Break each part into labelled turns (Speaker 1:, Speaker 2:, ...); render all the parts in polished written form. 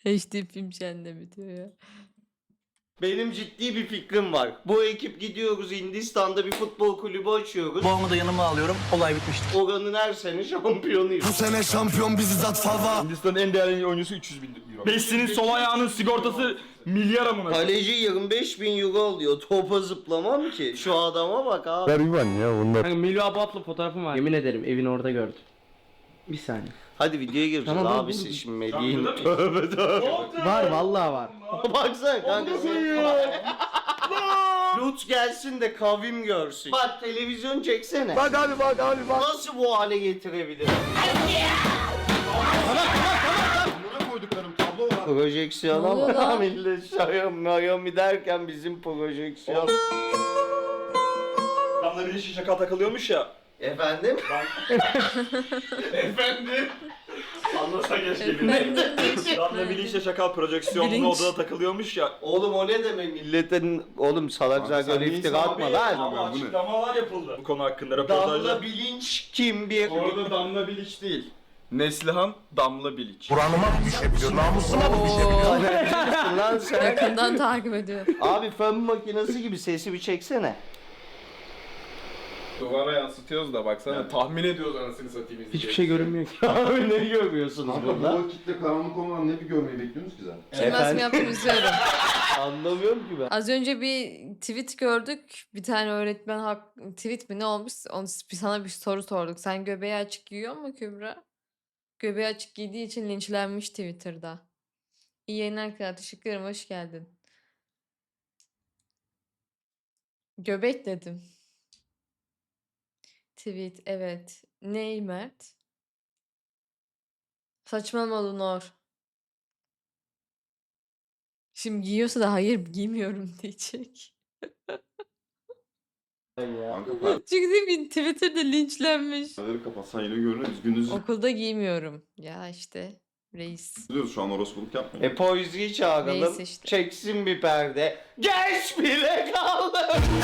Speaker 1: HD film şenle bitiyor ya.
Speaker 2: Benim ciddi bir fikrim var. Bu ekip gidiyoruz Hindistan'da bir futbol kulübü açıyoruz.
Speaker 3: Babamı da yanıma alıyorum. Olay bitmiştir.
Speaker 2: Oranın her sene şampiyonuyuz.
Speaker 4: Bu sene şampiyon biziz at fava.
Speaker 5: Hindistan'ın en değerli oyuncusu 300 bin euro.
Speaker 6: Messi'nin sol ayağının sigortası milyar amına.
Speaker 2: Kaleci 25 bin euro alıyor. Topa zıplamam ki. Şu adama bak abi.
Speaker 7: Kanka Melih Abap'la fotoğrafım var. Yemin ederim evin orada gördüm. Bir saniye.
Speaker 2: Hadi videoya gireceğiz
Speaker 7: Tamam,
Speaker 2: abisi
Speaker 7: dur.
Speaker 2: şimdi Melih'in. Tövbe tövbe.
Speaker 7: Var vallahi var.
Speaker 2: Baksana kanka. Lütf gelsin de kavim görsün. Bak televizyon çeksene.
Speaker 4: Bak abi bak.
Speaker 2: Nasıl bu hale getirebilir?
Speaker 5: Buna koyduklarım tablo var.
Speaker 2: Projeksiyon
Speaker 1: Ne oluyor
Speaker 2: ama
Speaker 1: lan?
Speaker 2: millet Xiaomi derken bizim projeksiyon.
Speaker 6: Adamlar bir şaka takılıyormuş ya.
Speaker 2: Efendim?
Speaker 6: Efendim? Anlasa keşke. Damla Bilinç'le şakal projeksiyonlu
Speaker 1: Bilinç.
Speaker 6: odada takılıyormuş ya.
Speaker 2: Oğlum o ne demek milletin... Oğlum salak salak öyle iftira atma lan.
Speaker 6: Ama
Speaker 5: bu ne?
Speaker 6: açıklamalar yapıldı. Bu konu hakkında röportajlar.
Speaker 2: Damla bilinç kim bir?
Speaker 5: Orada Damla Bilic değil. Neslihan Damla Bilic.
Speaker 4: Buranıma bir şey biliyor. Namusuma bir şey biliyor.
Speaker 2: Lan sen.
Speaker 1: Yakından takip ediyor.
Speaker 2: Abi fön makinesi gibi sesi bir çeksene.
Speaker 5: Duvara yansıtıyoruz da baksana tahmin ediyoruz anasını satayım
Speaker 7: Hiçbir şey görünmüyor ki.
Speaker 2: Abi ne görüyorsunuz burada?
Speaker 5: vakitte karanlık olmadan ne bir görmeyi bekliyorsunuz ki zaten?
Speaker 1: Bilmez mi yaptım izliyorum.
Speaker 2: Anlamıyorum ki ben.
Speaker 1: Az önce bir tweet gördük. Bir tane öğretmen tweet mi ne olmuş? Sana bir soru sorduk. Sen göbeği açık giyiyor mu Kübra? Göbeği açık giydiği için linçlenmiş Twitter'da. İyi yayınlar kral. Teşekkür ederim. Hoş geldin. Göbek dedim. Tweet evet. Ney Mert? Saçmalama Lunor. Şimdi giyiyorsa da hayır giymiyorum diyecek.
Speaker 5: Kanka
Speaker 1: Çünkü bir Twitter'da linçlenmiş.
Speaker 5: perdeleri kapatsan yine görünür. Biz gündüz
Speaker 1: Okulda giymiyorum. Ya işte reis.
Speaker 5: izliyoruz şu an orospuluk yapmıyoruz.
Speaker 2: Poeziyi çağıralım.
Speaker 1: Neyse işte.
Speaker 2: Çeksin bir perde. Geç bile kaldı.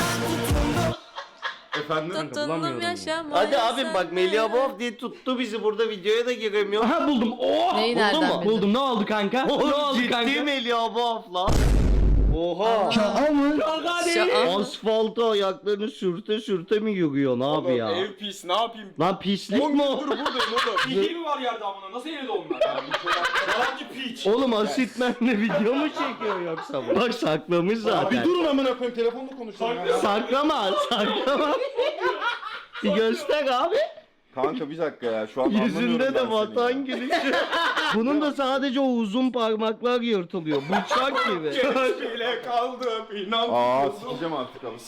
Speaker 5: Efendim?
Speaker 1: Tutundum
Speaker 7: bulamıyorum ya.
Speaker 1: yaşamaya.
Speaker 2: Hadi abim bak
Speaker 1: sen
Speaker 2: Melih
Speaker 1: de.
Speaker 2: Abov diye tuttu bizi burada videoya da giremiyor.
Speaker 7: Aha buldum. Oh!
Speaker 1: Neyi
Speaker 2: Buldun
Speaker 1: nereden
Speaker 2: mu?
Speaker 1: bildin?
Speaker 7: Buldum. Ne oldu kanka? ne
Speaker 2: Oğlum
Speaker 7: oldu
Speaker 2: ciddi
Speaker 7: kanka?
Speaker 2: Melih Abov lan. Oha.
Speaker 7: Şaka mı?
Speaker 1: Şaka.
Speaker 2: Asfalta ayaklarını sürte sürte mi yürüyorsun abi
Speaker 5: Oğlum,
Speaker 2: ya?
Speaker 5: ev pis ne yapayım?
Speaker 2: Lan pislik mi o?
Speaker 5: Dur buradayım oğlum.
Speaker 6: Bildiği mi var yerde amına? Nasıl evde onlar? Yalancı piç.
Speaker 2: Oğlum Asitmen'le video mu çekiyor yoksa bu? Bak saklamış
Speaker 5: Abi
Speaker 2: zaten.
Speaker 5: durun amına koyayım telefonla konuşuyorum ya.
Speaker 2: Saklama, saklama. Bir göster abi.
Speaker 5: Kanka bir dakika ya şu an
Speaker 2: Yüzünde de vatan gülüşü. Bunun da sadece o uzun parmaklar yırtılıyor. Bıçak gibi.
Speaker 5: bile kaldı inan. Aa sikeceğim artık abi.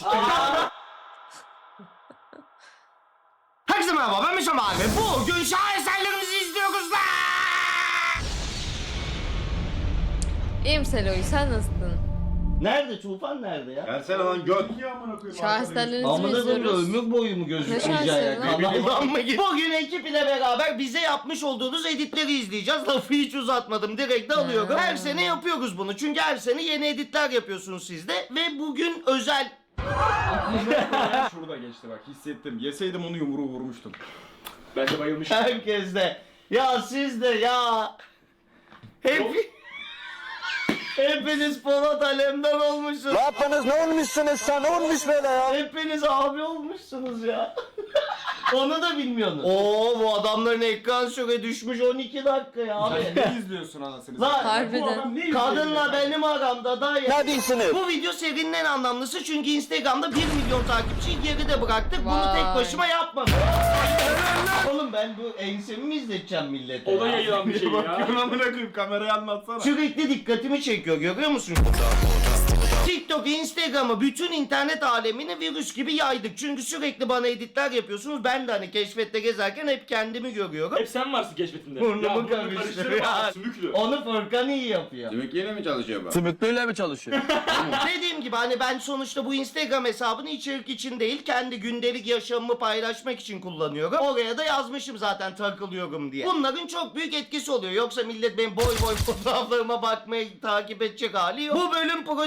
Speaker 2: Herkese merhaba ben Mişam abi. Bugün şaheserlerimizi izliyoruz da.
Speaker 1: İyiyim Seloy sen nasılsın?
Speaker 2: Nerede? Tufan nerede ya?
Speaker 5: Gelsene lan göt.
Speaker 1: Şaheserlerinizi mi
Speaker 2: Amına koyayım
Speaker 1: izliyoruz?
Speaker 2: ömür boyu mu
Speaker 1: Ne
Speaker 2: gözükmeyecek
Speaker 1: şansın lan?
Speaker 2: Kanaldan mı git? Bugün ekip ile beraber bize yapmış olduğunuz editleri izleyeceğiz. Lafı hiç uzatmadım. Direkt de alıyorum. Her sene yapıyoruz bunu. Çünkü her sene yeni editler yapıyorsunuz siz de. Ve bugün özel...
Speaker 5: Şurada geçti bak hissettim. Yeseydim onu yumruğu vurmuştum.
Speaker 6: Ben de bayılmışım.
Speaker 2: Herkes de. Ya siz de ya. Hepiniz Polat Alemdar olmuşsunuz.
Speaker 4: Ne yaptınız? Ne olmuşsunuz sen? Ne olmuş böyle ya?
Speaker 2: Hepiniz abi olmuşsunuz ya. Onu da bilmiyorsunuz. Oo bu adamların ekran süre düşmüş 12 dakika ya abi.
Speaker 5: Ne izliyorsun anasını?
Speaker 2: Lan
Speaker 1: Harbiden.
Speaker 2: kadınla benim aramda da ya.
Speaker 4: Ne diyorsunuz?
Speaker 2: Bu video serinin en anlamlısı çünkü Instagram'da 1 milyon takipçiyi geride bıraktık. Bunu
Speaker 1: Vay.
Speaker 2: tek başıma yapmadım. Oğlum ben bu ensemi mi izleteceğim millete?
Speaker 6: O da
Speaker 2: ya?
Speaker 6: yayılan bir şey ya.
Speaker 5: Bakıyorum amına koyayım kamerayı anlatsana.
Speaker 2: Sürekli dikkatimi çekiyor görüyor musun? TikTok, Instagram'ı, bütün internet alemini virüs gibi yaydık. Çünkü sürekli bana editler yapıyorsunuz. Ben de hani keşfette gezerken hep kendimi görüyorum.
Speaker 6: Hep sen varsın keşfetinde.
Speaker 2: Burnumu
Speaker 6: karıştırma.
Speaker 2: karıştırıyor.
Speaker 6: Sümüklü.
Speaker 2: Onu Furkan iyi yapıyor.
Speaker 5: Demek yine mi çalışıyor bu?
Speaker 7: Sümüklüyle mi çalışıyor?
Speaker 2: Dediğim gibi hani ben sonuçta bu Instagram hesabını içerik için değil kendi gündelik yaşamımı paylaşmak için kullanıyorum. Oraya da yazmışım zaten takılıyorum diye. Bunların çok büyük etkisi oluyor. Yoksa millet benim boy boy fotoğraflarıma bakmayı takip edecek hali yok. Bu bölüm prodüksiyonu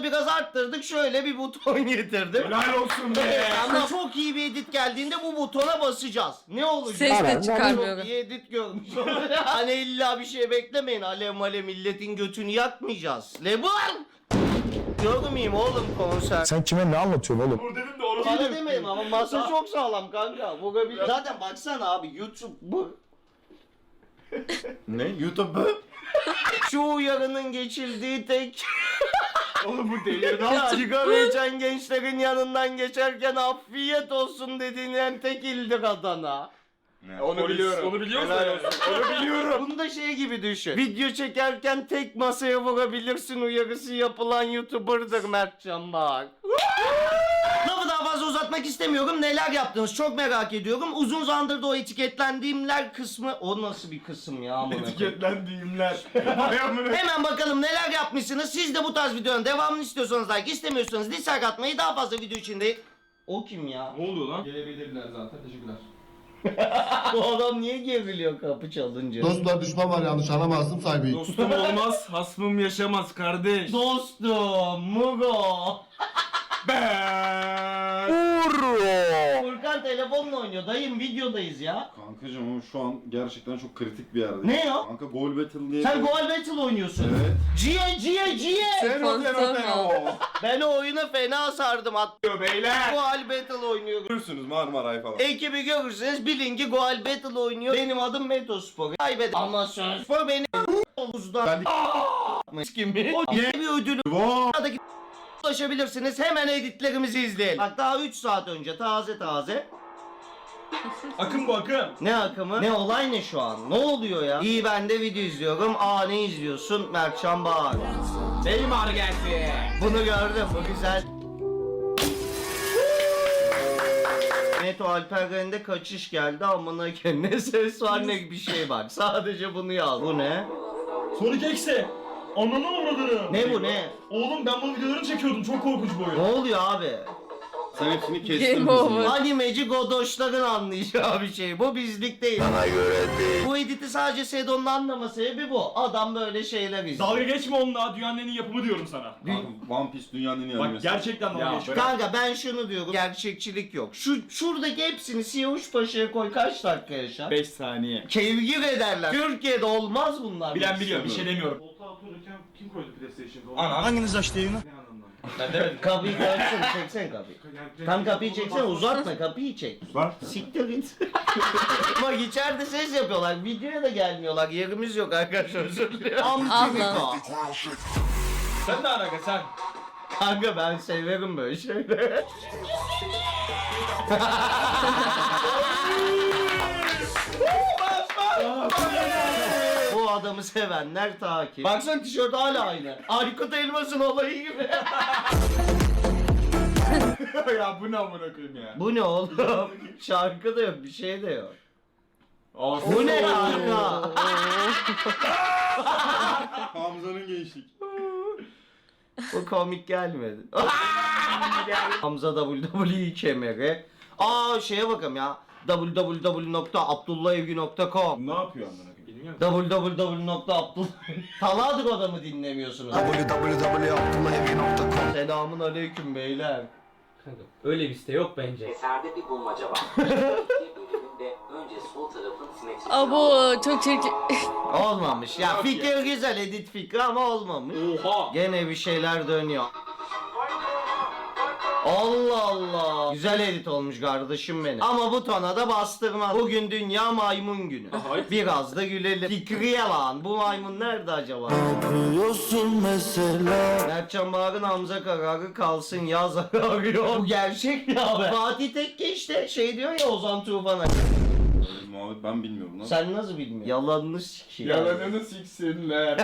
Speaker 2: biraz arttırdık. Şöyle bir buton getirdim.
Speaker 6: Helal olsun be.
Speaker 2: Ama çok iyi bir edit geldiğinde bu butona basacağız. Ne olacak?
Speaker 1: Ses de çıkarmıyor.
Speaker 2: Çok iyi edit görmüş. Hani illa bir şey beklemeyin. Alev malev milletin götünü yakmayacağız. Lebon! Görmeyeyim oğlum konser.
Speaker 4: Sen kime ne anlatıyorsun oğlum?
Speaker 6: Vur dedim de orası.
Speaker 2: Bana demeyin ama masa çok sağlam kanka. Vurabilir. Zaten baksana abi YouTube bu.
Speaker 5: Ne? YouTube mu?
Speaker 2: Şu uyarının geçildiği tek...
Speaker 6: Oğlum bu delirdi.
Speaker 2: Ya sigara içen gençlerin yanından geçerken afiyet olsun dediğin tek ildir Adana.
Speaker 6: Onu biliyorum. Onu biliyor musun?
Speaker 2: Onu biliyorum. Bunu da şey gibi düşün. Video çekerken tek masaya vurabilirsin uyarısı yapılan YouTuber'dır Mertcan bak. Lafı daha fazla uzatmak istemiyorum. Neler yaptınız çok merak ediyorum. Uzun zamandır da o etiketlendiğimler kısmı... O nasıl bir kısım ya amına koyayım?
Speaker 6: Etiketlendiğimler.
Speaker 2: Hemen bakalım neler yapmışsınız. Siz de bu tarz videonun devamını istiyorsanız like, istemiyorsanız dislike atmayı, daha fazla video içinde... O kim ya?
Speaker 6: Ne oluyor lan? Gelebilirler zaten. Teşekkürler.
Speaker 2: Bu adam niye geriliyor kapı çalınca?
Speaker 8: Dostlar düşman var yanlış anlamazsın sahibi.
Speaker 6: Dostum olmaz, hasmım yaşamaz kardeş.
Speaker 2: Dostum, Mugo. Furkan telefonla oynuyor. Dayım videodayız ya.
Speaker 5: Kankacım ama şu an gerçekten çok kritik bir yerde.
Speaker 2: Ne ya?
Speaker 5: Kanka Goal Battle diye.
Speaker 2: Sen Goal Battle oynuyorsun.
Speaker 5: Evet.
Speaker 2: Ciye. Ben o oyuna fena sardım.
Speaker 6: Diyor beyler.
Speaker 2: Goal Battle oynuyorum.
Speaker 5: Görürsünüz Marmaray falan.
Speaker 2: Ekibi görürseniz bilin ki Goal Battle oynuyor. Benim adım Metospor. Kaybeder. Ama Spor beni havuzda. Kimi? O yeni bir ödülü. Buradaki ulaşabilirsiniz. Hemen editlerimizi izleyelim. Bak daha 3 saat önce taze.
Speaker 6: Akım bu akım.
Speaker 2: Ne akımı? Ne olay ne şu an? Ne oluyor ya? İyi ben de video izliyorum. Aa ne izliyorsun? Mertcan Bağır.
Speaker 6: Benim ağrı geldi.
Speaker 2: Bunu gördüm. Bu güzel. Neto Alperen'de kaçış geldi amına koyayım. Ne ses var ne bir şey var. Sadece bunu yaz. Bu ne?
Speaker 6: Sonic X'e. Ananı avradını.
Speaker 2: Ne bu ne?
Speaker 6: Oğlum ben bu videoları çekiyordum. Çok korkunç bu oyun.
Speaker 2: Ne oluyor abi?
Speaker 5: Sen hepsini kestin
Speaker 1: Game over.
Speaker 2: Animeci godoşların anlayacağı bir şey. Bu bizlik değil. Bana göre değil. Bu editi sadece Sedon'un anlama sebebi bu. Adam böyle şeyler izliyor.
Speaker 6: Dalga geçme onunla. Dünyanın en iyi yapımı diyorum sana.
Speaker 5: Kanka, One Piece dünyanın en iyi
Speaker 6: Bak
Speaker 5: animesi.
Speaker 6: gerçekten dalga geçme.
Speaker 2: Kanka ben şunu diyorum. Gerçekçilik yok. Şuradaki hepsini Siyavuş Paşa'ya koy kaç dakika yaşar?
Speaker 6: 5 saniye.
Speaker 2: Kevgir ederler. Türkiye'de olmaz bunlar.
Speaker 6: Bilen biliyor. Bir şey demiyorum.
Speaker 5: Koltuğa otururken kim koydu PlayStation'da?
Speaker 6: Ana.
Speaker 4: Hanginiz açtı yayını?
Speaker 6: Ben demedim.
Speaker 2: Kapıyı görsün, çeksen kapıyı. Tam kapıyı çeksen, uzatma kapıyı çek.
Speaker 5: Var.
Speaker 2: Siktir git. Bak içeride ses yapıyorlar, videoya da gelmiyorlar. Yerimiz yok arkadaşlar, özür dilerim.
Speaker 1: Allah.
Speaker 6: Sen ne alaka sen?
Speaker 2: Kanka ben severim böyle şeyleri. Bu adamı sevenler takip. Baksana tişört hala aynı. Aykut Elmas'ın olayı gibi.
Speaker 6: Ya bu ne amına koyayım ya?
Speaker 2: Bu ne oğlum? Şarkı da yok, bir şey de yok.
Speaker 6: Ağzı
Speaker 2: Bu ne kanka?
Speaker 5: Hamza'nın gençlik.
Speaker 2: Bu komik gelmedi. Hamza WWE kemeri. Aa şeye bakalım ya. www.abdullahevgi.com
Speaker 6: Ne yapıyor amına koyayım? Bilmiyorum.
Speaker 2: www.abdullah Taladır adamı dinlemiyorsunuz.
Speaker 4: www.abdullahevgi.com
Speaker 2: Selamun aleyküm beyler.
Speaker 7: Öyle bir site yok bence.
Speaker 9: Eserde bir bulmaca var. İki bölümünde önce sol tarafın simetrisini
Speaker 1: Abo çok çirkin.
Speaker 2: Olmamış. Ya fikir güzel, edit fikri ama olmamış.
Speaker 6: Oha.
Speaker 2: Gene bir şeyler dönüyor. Allah Allah. Güzel edit olmuş kardeşim benim. Ama butona da bastırmaz. Bugün dünya maymun günü.
Speaker 6: Hayır.
Speaker 2: Biraz da gülelim. Fikriye lan. Bu maymun nerede acaba?
Speaker 4: Yapıyorsun mesela.
Speaker 2: Mertcan Bağır'ın Hamza kararı kalsın yaz arıyor. Bu gerçek ya be. Fatih Tekke işte şey diyor ya Ozan Tufan'a.
Speaker 5: Muhabbet ben bilmiyorum lan.
Speaker 2: Sen nasıl bilmiyorsun? Yalanını sikeyim.
Speaker 6: Yalanını siksinler.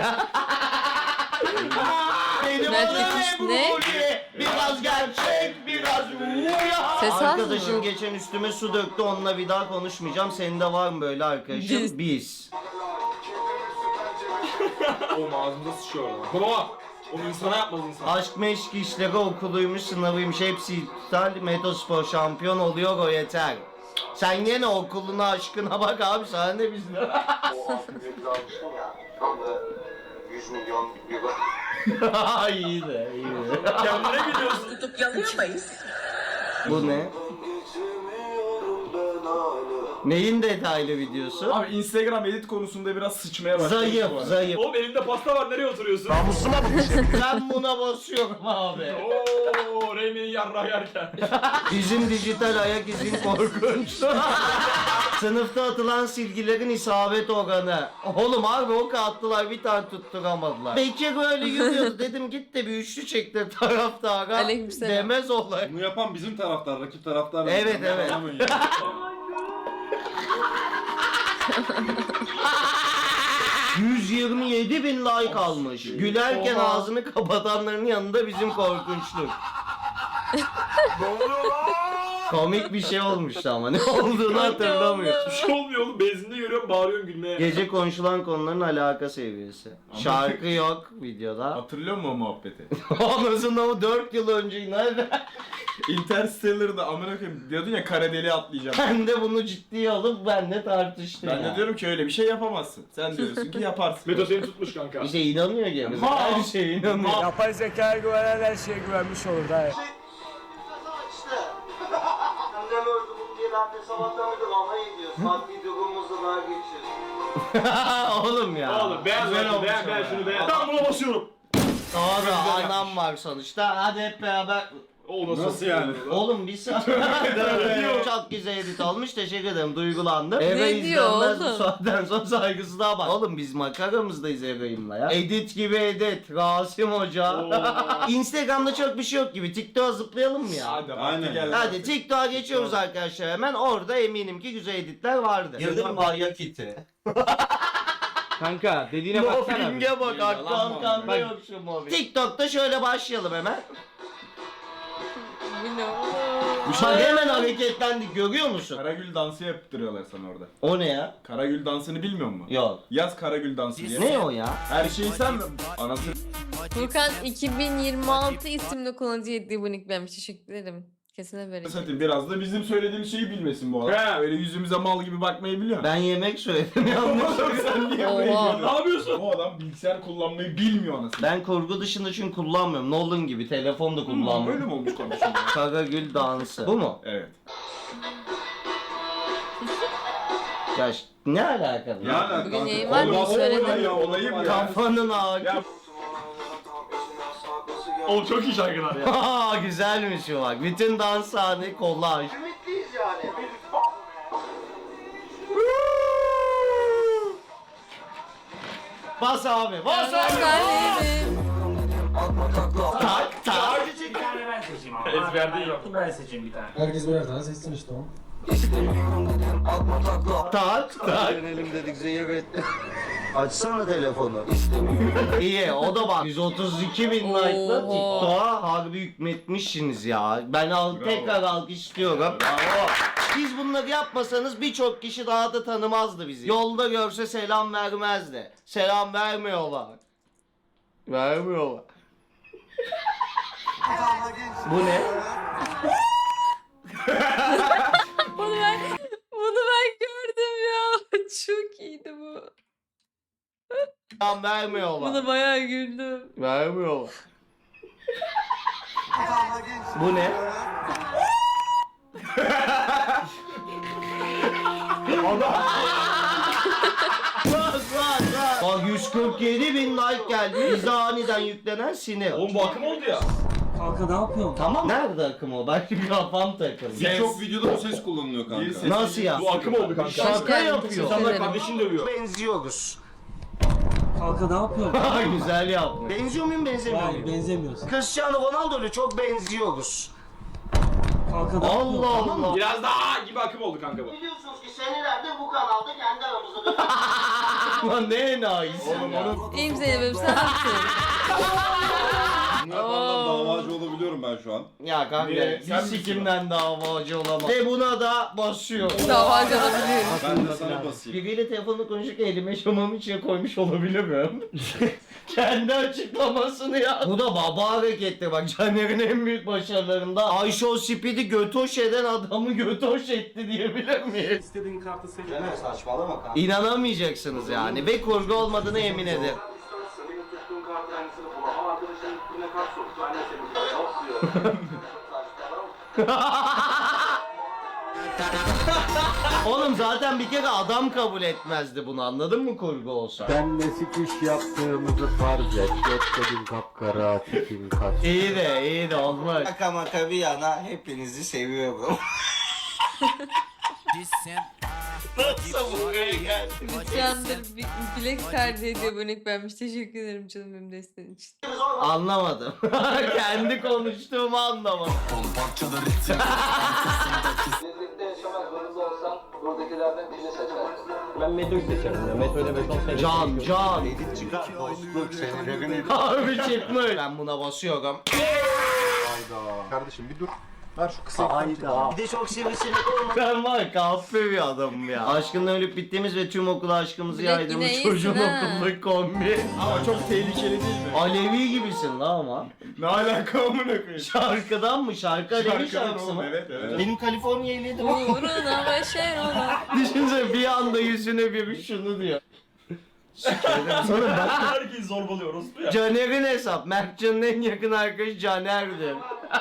Speaker 2: Benim
Speaker 1: Nerede
Speaker 2: adım
Speaker 1: kız
Speaker 2: Ebru
Speaker 1: ne?
Speaker 2: Molly. Biraz gerçek, biraz rüya.
Speaker 1: Ses az
Speaker 2: Arkadaşım
Speaker 1: mı?
Speaker 2: geçen üstüme su döktü, onunla bir daha konuşmayacağım. Senin de var mı böyle arkadaşım? Biz.
Speaker 6: Oğlum ağzımda sıçıyor lan. Baba. Onu insana yapmaz insan.
Speaker 2: Aşk meşk işleri okuluymuş, sınavıymış, hepsi iptal. Metospor şampiyon oluyor, o yeter. Sen yine okuluna aşkına bak abi, sana ne bizle.
Speaker 9: o altın almıştım ya. Tam da 100
Speaker 2: milyon euro. iyi de.
Speaker 6: Kendine gidiyorsun.
Speaker 9: Tutup yalıyor muyuz?
Speaker 2: Bu ne? Neyin detaylı videosu?
Speaker 5: Abi Instagram edit konusunda biraz sıçmaya başladı.
Speaker 2: Zayıf.
Speaker 6: Oğlum elinde pasta var, nereye oturuyorsun?
Speaker 4: Namusuma bu bir şey.
Speaker 2: Ben buna basıyorum abi.
Speaker 6: Ooo Reymen'in yarrağı yerken.
Speaker 2: Bizim dijital ayak izin korkunç. Sınıfta atılan silgilerin isabet oranı. Oğlum abi o attılar bir tane tutturamadılar. Bekir böyle yürüyordu dedim git de bir üçlü çektir taraftara.
Speaker 1: Aleykümselam.
Speaker 2: Demez olay.
Speaker 5: Bunu yapan bizim taraftar, rakip taraftar.
Speaker 2: Evet, evet. 127 bin like almış. Gülerken
Speaker 1: Oha.
Speaker 2: ağzını kapatanların yanında bizim korkunçluk. Komik bir şey olmuştu ama ne olduğunu hatırlamıyorum.
Speaker 6: Bir şey olmuyor oğlum, benzinde görüyorum, bağırıyorsun gülmeye.
Speaker 2: Gece konuşulan konuların alaka seviyesi. Şarkı yok videoda.
Speaker 5: Hatırlıyor musun o muhabbeti?
Speaker 2: Ondan o 4 yıl önce nerede?
Speaker 5: Interstellar'da amına koyayım diyordun ya kara deliğe atlayacağım.
Speaker 2: Ben de bunu ciddiye alıp benle tartıştım.
Speaker 5: Ben de diyorum ki öyle bir şey yapamazsın. Sen diyorsun ki yaparsın.
Speaker 6: Meto seni tutmuş kanka.
Speaker 2: İşte inanıyor gene. Her şeye inanıyor.
Speaker 3: Yapay zekaya güvenen her şeye güvenmiş olur da.
Speaker 2: Annem öldü bunu diye ben de sabahtan beri alay ediyor. Maddi durumumuzu daha geçiyoruz. Oğlum ya.
Speaker 6: Oğlum beğen
Speaker 2: Güzel
Speaker 6: şunu,
Speaker 2: olmuş
Speaker 6: beğen
Speaker 2: ama.
Speaker 6: şunu beğen. Ben buna basıyorum.
Speaker 2: Doğru anam var sonuçta. Hadi hep beraber.
Speaker 6: O
Speaker 5: Nasıl yani?
Speaker 2: Oğlum bir saniye. Çok güzel edit olmuş. Teşekkür ederim. Duygulandım. Eve
Speaker 1: Ne diyor
Speaker 2: izlenmez bu
Speaker 1: oğlum?
Speaker 2: saatten sonra saygısızlığa bak. Oğlum biz makaramızdayız Ereğim'le ya. Edit gibi edit. Rasim Hoca. Instagram'da çok bir şey yok gibi. TikTok'a zıplayalım mı ya?
Speaker 5: Hadi
Speaker 6: Aynen.
Speaker 5: vakti geldi.
Speaker 2: Hadi TikTok'a geçiyoruz arkadaşlar hemen. Orada eminim ki güzel editler vardı. Girdim mi ayak iti?
Speaker 7: Kanka dediğine baksana. bir.
Speaker 2: Mobbing'e bak.
Speaker 5: Yalan mı
Speaker 2: Arkanda
Speaker 7: Bak.
Speaker 2: yok şu mobbing. TikTok'ta şöyle başlayalım hemen.
Speaker 1: Bu ne?
Speaker 2: Bak hemen hareketlendik görüyor musun?
Speaker 5: Karagül dansı yaptırıyorlar sana orada.
Speaker 2: O ne ya?
Speaker 5: Karagül dansını bilmiyor musun?
Speaker 2: Yok.
Speaker 5: Yaz Karagül dansı diye.
Speaker 2: Ne o ya?
Speaker 5: Her şeyi sen mi? Anasını
Speaker 1: Furkan 2026 isimli kullanıcı hediye bu nicklenmiş. Teşekkür ederim. Kesine verin.
Speaker 5: satayım. Biraz da bizim söylediğimiz şeyi bilmesin bu adam. Öyle yüzümüze mal gibi bakmayı biliyor.
Speaker 2: Ben yemek söyledim yanlış.
Speaker 5: Sen niye
Speaker 1: Oha.
Speaker 5: buraya
Speaker 6: Ne
Speaker 5: geliyorsun?
Speaker 6: yapıyorsun?
Speaker 5: Bu adam bilgisayar kullanmayı bilmiyor anasını.
Speaker 2: Ben kurgu dışında çünkü kullanmıyorum. Nolan gibi telefon da
Speaker 5: Böyle
Speaker 2: kullanmıyorum.
Speaker 5: mi olmuş konuşuyor?
Speaker 2: Karagül dansı. Bu mu?
Speaker 5: Evet.
Speaker 2: Ya ne alakalı?
Speaker 5: Ne alaka?
Speaker 1: Bugün yayın var mı?
Speaker 5: Oğlum,
Speaker 1: Söyledim.
Speaker 5: olayım ya.
Speaker 2: Kafanın ağrı.
Speaker 5: Ya-
Speaker 6: Oğlum çok iyi şarkılar ya.
Speaker 2: Aa güzelmiş o bak. Bütün dans sahne kolaj. Ümitliyiz yani. Bas abi, bas abi.
Speaker 1: Kalbim.
Speaker 2: Tak tak.
Speaker 6: Ezber değil.
Speaker 3: Ben seçeyim bir tane.
Speaker 8: Herkes birer tane seçsin işte o.
Speaker 2: Tak tak. Dönelim dedik zehir etti. Açsana telefonu. İyi o da bak 132 bin like'la
Speaker 1: Oha.
Speaker 2: TikTok'a harbi hükmetmişsiniz ya. Ben tekrar alkış istiyorum. Bravo. Siz bunları yapmasanız birçok kişi daha da tanımazdı bizi. Yolda görse selam vermezdi. Selam vermiyorlar. Vermiyorlar. Bu ne?
Speaker 1: Bunu ben gördüm ya. Çok iyiydi bu.
Speaker 2: Selam vermiyorlar.
Speaker 1: Buna bayağı güldüm.
Speaker 2: Vermiyorlar. Bu ne? Bak 147 bin like geldi. Bize aniden yüklenen sinir.
Speaker 6: Oğlum bu akım oldu ya.
Speaker 3: Kanka ne yapıyorsun?
Speaker 2: Tamam. Nerede akım o? Bak bir kafam takıldı.
Speaker 5: Birçok
Speaker 6: videoda bu ses kullanılıyor kanka.
Speaker 2: Nasıl ya?
Speaker 6: Bu akım oldu kanka.
Speaker 2: Şaka
Speaker 1: Hoş geldin,
Speaker 2: yapıyor.
Speaker 1: teşekkür
Speaker 6: İnsanlar
Speaker 1: ederim.
Speaker 6: kardeşini dövüyor.
Speaker 2: Benziyoruz.
Speaker 3: Kanka ne yapıyorsun?
Speaker 2: Güzel yaptın. Benziyor muyum benzemiyor
Speaker 3: Hayır
Speaker 2: muyum?
Speaker 3: benzemiyorsun.
Speaker 2: Cristiano Ronaldo'yla çok benziyoruz.
Speaker 3: Kanka ne
Speaker 2: Allah
Speaker 3: yapıyorsun?
Speaker 2: Allah.
Speaker 6: Biraz daha gibi akım oldu kanka bu.
Speaker 2: Biliyorsunuz ki senelerdir bu kanalda kendi aramızda Lan ne enayisi ya.
Speaker 1: İyiyim Zeynep'im sen nasılsın?
Speaker 5: Bunlardan davacı olabiliyorum ben şu an.
Speaker 2: Ya kanka
Speaker 5: Niye?
Speaker 2: bir
Speaker 5: Sen misin
Speaker 2: sikimden davacı olamam. Ve buna da basıyor.
Speaker 1: Davacı olabilirim.
Speaker 5: Ben de sana basayım.
Speaker 2: Biriyle telefonla konuşurken elime şamamı içine koymuş olabilirim. Kendi açıklamasını ya. Bu da baba harekettir bak Caner'in en büyük başarılarında. Ayşe o spidi götoş eden adamı götoş etti diyebilir miyiz?
Speaker 3: İstediğin kartı seç.
Speaker 2: Caner saçmalama kanka. İnanamayacaksınız yani ve kurgu olmadığını yemin ederim.
Speaker 9: birine kaç soru? Ben de seni diyorum.
Speaker 2: Oğlum zaten bir kere adam kabul etmezdi bunu, anladın mı kurgu olsa?
Speaker 4: Benle sikiş yaptığımızı farz et. Göklerin kapkara, tipin kaç.
Speaker 2: İyi de olmaz.
Speaker 10: Şaka maka bir yana hepinizi seviyorum.
Speaker 2: Nasıl buraya geldin?
Speaker 1: Candır Black Card hediye abonelik vermiş. Teşekkür ederim canım benim desteğin için.
Speaker 2: Anlamadım. Kendi konuştuğumu anlamadım.
Speaker 9: Birlikte yaşamak zorunda olsan buradakilerden birini seçerdin.
Speaker 7: Ben Meto'yu seçerim ya. Meto'yla 5-10 sene.
Speaker 2: Can.
Speaker 4: Edit çıkar, dostluk, sevgilerin edit.
Speaker 2: Harbi çıkmış. Ben buna basıyorum.
Speaker 4: Hayda. Kardeşim bir dur. Ver şu kısa. Hayda.
Speaker 2: Bir de çok sivrisinek olma. Ben var ya kahpe bir adamım ya. Aşkınla ölüp bittiğimiz ve tüm okula aşkımızı
Speaker 1: Bilek yine
Speaker 2: yaydığımız
Speaker 1: iyisin
Speaker 2: çocuğun
Speaker 1: ha.
Speaker 2: okulundaki kombi.
Speaker 5: Ama çok tehlikeli değil mi?
Speaker 2: Alevi gibisin la ama.
Speaker 5: Ne alaka amına koyayım?
Speaker 2: Şarkıdan mı? Şarkı Alevi
Speaker 5: Şarkıdan
Speaker 2: şarkısı
Speaker 5: oğlum,
Speaker 2: mı?
Speaker 5: evet, evet.
Speaker 2: Benim Kaliforniya ehliyetim var.
Speaker 1: Uğruna başarına.
Speaker 2: Düşünsene bir anda yüzüne biri şunu diyor. Sonra bak
Speaker 6: Herkes zorbalıyor orospu ya.
Speaker 2: Caner'in hesap. Mertcan'ın en yakın arkadaşı Caner'dir.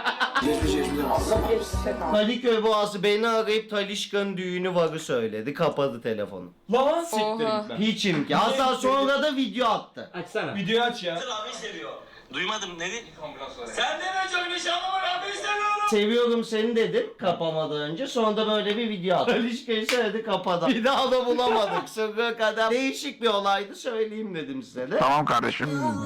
Speaker 2: Kadıköy Boğazı beni arayıp Talişka'nın düğünü varı söyledi. Kapadı telefonu.
Speaker 6: Lan siktir
Speaker 1: Oha.
Speaker 6: git lan.
Speaker 2: Hiç imkan. Hatta sonra da video attı.
Speaker 7: Açsana.
Speaker 6: Videoyu aç ya.
Speaker 9: Abi seviyor. Duymadım ne dedi? Sen deme çok nişanlımı abi seviyorum.
Speaker 2: Seviyorum seni dedim kapamadan önce. Sonra da böyle bir video attı. Talişka'yı söyledi kapadı. Bir daha da bulamadık. Sonra kadar değişik bir olaydı söyleyeyim dedim size de.
Speaker 4: Tamam kardeşim.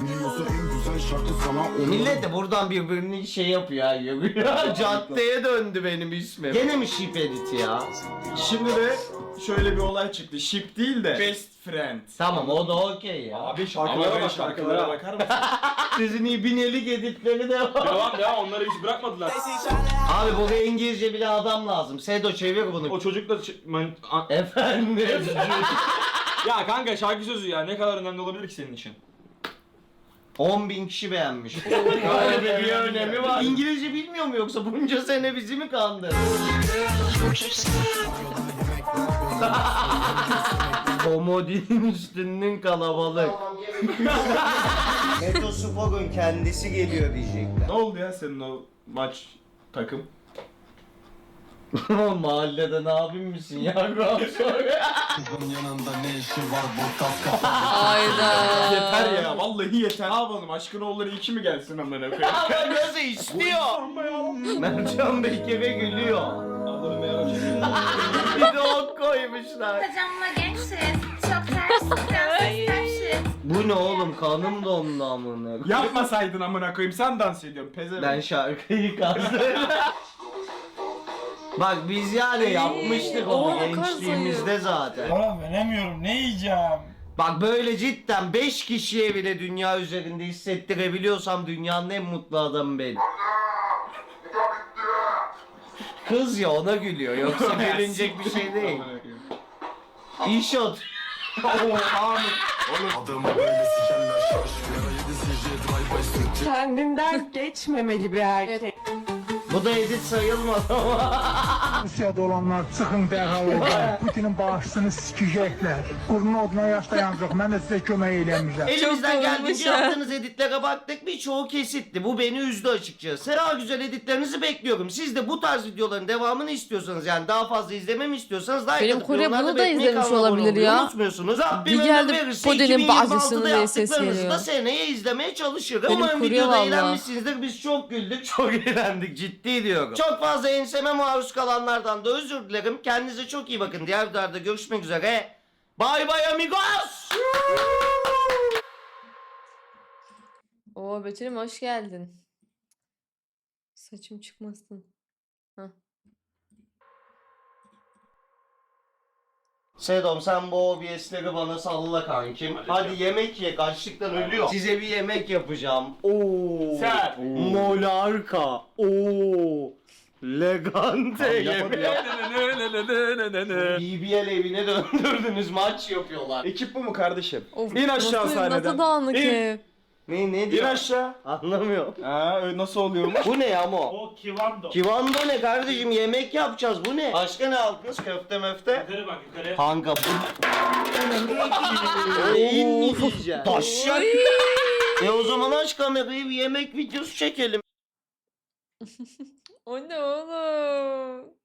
Speaker 2: Millet de buradan birbirini şey yapıyor ha yürüyor. Caddeye döndü benim ismim. Gene mi ship edit ya?
Speaker 5: Şimdi de şöyle bir olay çıktı. Ship değil de best friend.
Speaker 2: Tamam o da okey ya.
Speaker 6: Abi şarkılara bak şarkılara bak.
Speaker 5: bakar mısın?
Speaker 2: Sizin ibinelik editleri de var.
Speaker 6: Devam ya onları hiç bırakmadılar.
Speaker 2: Abi buraya İngilizce bile adam lazım. Sedo çevir bunu.
Speaker 6: O çocuk da
Speaker 2: Efendim.
Speaker 6: ya kanka şarkı sözü ya ne kadar önemli olabilir ki senin için?
Speaker 2: 10.000 kişi beğenmiş. Öyle bir önemi var. İngilizce bilmiyor mu yoksa bunca sene bizi mi kandırdı? Komodinin üstünün kalabalık. Metospor'un kendisi geliyor diyecekler.
Speaker 5: Ne oldu ya senin o maç takım?
Speaker 2: Mahallede ne abim misin ya?
Speaker 1: Hayda.
Speaker 5: Yeter ya vallahi yeter. Ne yapalım aşkın oğulları 2 mi gelsin amına koyayım?
Speaker 2: Ama gözü istiyor. Mertcan Bey kere gülüyor.
Speaker 5: Allah'ım ya.
Speaker 2: Bir de ok koymuşlar.
Speaker 11: Kocamla gençsiniz. Çok ters, ters.
Speaker 2: Bu ne oğlum kanım dondu amına.
Speaker 5: Yapmasaydın amına koyayım sen dans ediyorsun pezevenk.
Speaker 2: Ben şarkıyı kazdım. Bak biz yani yapmıştık onu
Speaker 1: oğlum,
Speaker 2: gençliğimizde zaten.
Speaker 3: Oğlum veremiyorum ne yiyeceğim?
Speaker 2: Bak böyle cidden 5 kişiye bile dünya üzerinde hissettirebiliyorsam dünyanın en mutlu adamı benim. Kız ya ona gülüyor yoksa gülünecek bir şey değil. İşot.
Speaker 12: Kendinden geçmemeli bir erkek.
Speaker 2: Bu da edit sayılmaz ama.
Speaker 8: Rusya'da olanlar çıxın dərhal oradan. Putinin bağışçısını sikəcəklər. Qurun oduna yaşlayanacaq. Mən də sizə kömək eləməyəcəm.
Speaker 2: Elimizden
Speaker 1: Çok
Speaker 2: geldiğince
Speaker 1: olmuş ha.
Speaker 2: yaptığınız editlere baktık. Birçoğu kesitti. Bu beni üzdü açıkçası. Daha güzel editlerinizi bekliyorum. Siz de bu tarz videoların devamını istiyorsanız yani daha fazla izlememi istiyorsanız like
Speaker 1: Benim
Speaker 2: atıp
Speaker 1: Kore
Speaker 2: yorumlarda
Speaker 1: bunu da
Speaker 2: belirtmeyi,
Speaker 1: izlemiş
Speaker 2: kanala abone
Speaker 1: olabilir
Speaker 2: olmayı
Speaker 1: ya.
Speaker 2: Unutmuyorsunuz. Rabbim
Speaker 1: Bir
Speaker 2: ömür
Speaker 1: geldi
Speaker 2: verirse
Speaker 1: Kore'nin
Speaker 2: 2026'da
Speaker 1: bazısını diye ses
Speaker 2: yaptıklarınızı da
Speaker 1: geliyor.
Speaker 2: seneye izlemeye çalışırım.
Speaker 1: Benim
Speaker 2: Umarım
Speaker 1: Kore
Speaker 2: videoda
Speaker 1: valla.
Speaker 2: eğlenmişsinizdir. Biz çok güldük, çok eğlendik. Ciddi diyorum. Çok fazla enseme maruz kalanlardan da özür dilerim. Kendinize çok iyi bakın. Diğer videolarda görüşmek üzere. Bye bye amigos.
Speaker 1: Oo Betül'üm hoş geldin. Saçım çıkmasın. Hah.
Speaker 2: Sedom sen bu OBS'leri bana salla kankim. Hadi yemek ye, açlıktan ölüyor. Size bir yemek yapacağım. Oo.
Speaker 6: Sen.
Speaker 2: Monarka. Oo. Legante yemek. BBL evine döndürdünüz maç yapıyorlar.
Speaker 5: Ekip bu mu kardeşim?
Speaker 1: Of,
Speaker 5: İn aşağı
Speaker 1: nasıl
Speaker 5: sahneden.
Speaker 1: dağınık
Speaker 5: İn.
Speaker 1: ev.
Speaker 2: Ne
Speaker 5: İn
Speaker 2: diyor?
Speaker 5: aşağı.
Speaker 2: Anlamıyorum.
Speaker 5: Ha nasıl oluyormuş?
Speaker 2: Bu ne ya mo?
Speaker 3: O kivando.
Speaker 2: Kivando ne kardeşim yemek yapacağız bu ne? Başka ne aldınız köfte möfte?
Speaker 3: Yukarı bak yukarı.
Speaker 2: Kanka bu. Neyin mi diyeceksin? Taşak. O zaman aç kamerayı, bir yemek videosu çekelim.
Speaker 1: O ne oğlum?